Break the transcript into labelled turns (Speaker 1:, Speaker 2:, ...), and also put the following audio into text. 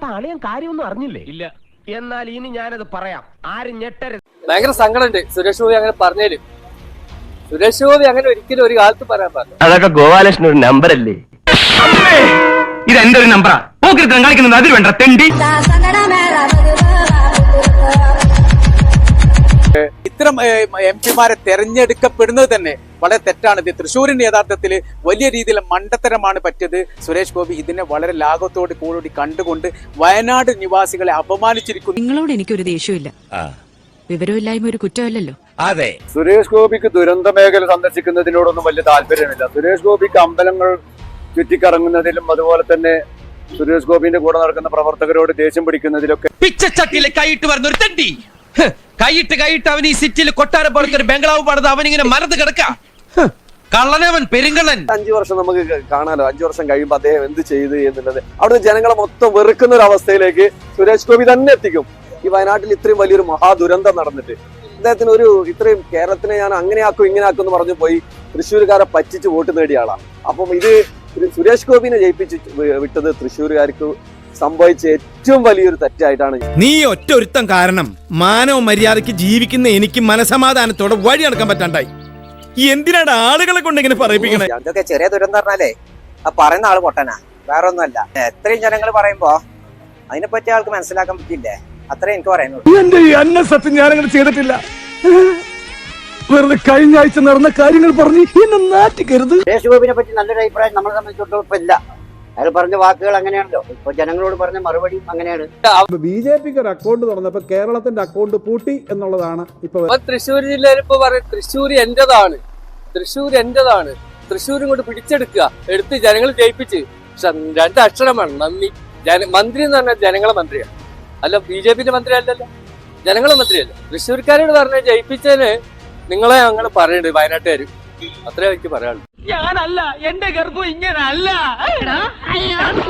Speaker 1: അപ്പൊ അളിയൻ കാര്യമൊന്നും അറിഞ്ഞില്ലേ? ഇല്ല. എന്നാൽ ഇനി ഞാനത് പറയാം, ആരും ഞെട്ടരുത്.
Speaker 2: ഭയങ്കര സങ്കടമുണ്ട് സുരേഷ് ഗോപി അങ്ങനെ പറഞ്ഞേരും. സുരേഷ് ഗോപി അങ്ങനെ ഒരിക്കലും ഒരു കാലത്ത് പറയാൻ പറഞ്ഞു.
Speaker 1: അതൊക്കെ ഗോപാലകൃഷ്ണൻ ഒരു നമ്പർ അല്ലേ? ഇത് എന്റെ ഒരു നമ്പറാ. കളിക്കുന്നത് അതിൽ വേണ്ട തെണ്ടി.
Speaker 3: ഇത്തരം എംപിമാരെ തെരഞ്ഞെടുക്കപ്പെടുന്നത് തന്നെ വളരെ തെറ്റാണ്. ഇത് തൃശ്ശൂരിന്റെ യഥാർത്ഥത്തിൽ വലിയ രീതിയിൽ മണ്ടത്തരമാണ് പറ്റിയത്. സുരേഷ് ഗോപി ഇതിനെ വളരെ ലാഘവത്തോട് കൂടി കണ്ടുകൊണ്ട് വയനാട് നിവാസികളെ അപമാനിച്ചിരിക്കുന്നു.
Speaker 4: നിങ്ങളോട് എനിക്കൊരു ദേഷ്യമില്ല, വിവരമില്ലായ്മ ഒരു കുറ്റമല്ലല്ലോ.
Speaker 5: അതെ,
Speaker 6: സുരേഷ് ഗോപിക്ക് ദുരന്ത മേഖല സന്ദർശിക്കുന്നതിനോടൊന്നും വലിയ താല്പര്യമില്ല. സുരേഷ് ഗോപിക്ക് അമ്പലങ്ങൾ ചുറ്റിക്കറങ്ങുന്നതിലും അതുപോലെ തന്നെ സുരേഷ് ഗോപിന്റെ കൂടെ നടക്കുന്ന പ്രവർത്തകരോട് ദേഷ്യം പിടിക്കുന്നതിലൊക്കെ
Speaker 5: പിച്ചച്ചട്ടിയിലെ കൈയിട്ട് വരുന്ന ഒരു തെണ്ടി. കൈയിട്ട് അവൻ ഈ സിറ്റിയിൽ കൊട്ടാരം പോലത്തെ ഒരു ബംഗ്ലാവ് പണിത് അവനിങ്ങനെ മരത്ത് കിടക്ക. കള്ളനവൻ, പെരുങ്കള്ളൻ.
Speaker 6: 5 വർഷം നമുക്ക് കാണാലോ. 5 വർഷം കഴിയുമ്പോൾ അദ്ദേഹം എന്ത് ചെയ്തു എന്നുള്ളത് അവിടുന്ന് ജനങ്ങളെ മൊത്തം വെറുക്കുന്ന ഒരു അവസ്ഥയിലേക്ക് സുരേഷ് ഗോപി തന്നെ എത്തിക്കും. ഈ വയനാട്ടിൽ ഇത്രയും വലിയൊരു മഹാദുരന്തം നടന്നിട്ട് അദ്ദേഹത്തിന് ഇത്രയും കേരളത്തിനെ ഞാൻ അങ്ങനെയാക്കും ഇങ്ങനെയാക്കും എന്ന് പറഞ്ഞു പോയി തൃശ്ശൂരുകാരെ പറ്റിച്ച് വോട്ട് നേടിയ ആളാണ്. അപ്പം ഇത് സുരേഷ് ഗോപിനെ ജയിപ്പിച്ച് വിട്ടത് തൃശ്ശൂരുകാർക്ക് സംഭവിച്ച ഏറ്റവും വലിയൊരു തെറ്റായിട്ടാണ്.
Speaker 7: നീ ഒറ്റ ഒരുത്തം കാരണം മാനവ മര്യാദയ്ക്ക് ജീവിക്കുന്ന എനിക്ക് മനസമാധാനത്തോടെ വഴി നടക്കാൻ പറ്റാണ്ടായി. എന്തിനാണ് ആളുകളെ കൊണ്ട് ഇങ്ങനെ പറയിപ്പിക്കണേ?
Speaker 8: അതൊക്കെ ചെറിയ ദുരന്തം പറഞ്ഞാലേ ആ പറയുന്ന ആള് പൊട്ടനാ, വേറെ ഒന്നുമല്ല. എത്രയും ജനങ്ങൾ പറയുമ്പോ അതിനെപ്പറ്റി ആൾക്ക് മനസ്സിലാക്കാൻ പറ്റില്ലേ? അത്രേ എനിക്ക് പറയുന്നുള്ളൂ.
Speaker 7: എന്റെ ഈ അന്നസത്യം ഞാനങ്ങനെ ചെയ്തിട്ടില്ല. വെറുതെ കഴിഞ്ഞ ആഴ്ച നടന്ന കാര്യങ്ങൾ പറഞ്ഞ് എന്നെ നാട്ടിക്കരുത്.
Speaker 8: സുരേഷ് ഗോപിനെ പറ്റി നല്ലൊരു അഭിപ്രായം നമ്മളെ സംബന്ധിച്ചിടത്തോളം ഇപ്പൊ ഇല്ല. അയാൾ പറഞ്ഞ വാക്കുകൾ അങ്ങനെയാണല്ലോ, ഇപ്പൊ ജനങ്ങളോട് പറഞ്ഞ മറുപടി അങ്ങനെയാണ്.
Speaker 9: ബിജെപിക്ക് ഒരു അക്കൗണ്ട് തുറന്നപ്പോ കേരളത്തിന്റെ അക്കൗണ്ട് പൂട്ടി എന്നുള്ളതാണ് ഇപ്പൊ
Speaker 2: തൃശ്ശൂർ ജില്ലയിൽ ഇപ്പൊ പറയും തൃശ്ശൂർ എന്റേതാണ്, തൃശ്ശൂർ ഇങ്ങോട്ട് പിടിച്ചെടുക്കുക, എടുത്ത് ജനങ്ങൾ ജയിപ്പിച്ച്. 2 അക്ഷരം വേണം, നന്ദി. മന്ത്രി എന്ന് പറഞ്ഞാൽ ജനങ്ങളെ മന്ത്രിയാണ്, അല്ല ബിജെപിന്റെ മന്ത്രി അല്ലല്ലോ, ജനങ്ങളെ മന്ത്രിയല്ലേ. തൃശ്ശൂർക്കാരോട് പറഞ്ഞ ജയിപ്പിച്ചതിന് നിങ്ങളെ ഞങ്ങൾ പറയുന്നുണ്ട് വയനാട്ടുകാര്. അത്രേ എനിക്ക് പറയാനുള്ളൂ.
Speaker 1: ഞാനല്ല, എന്റെ ഗർഭം ഇങ്ങനല്ല.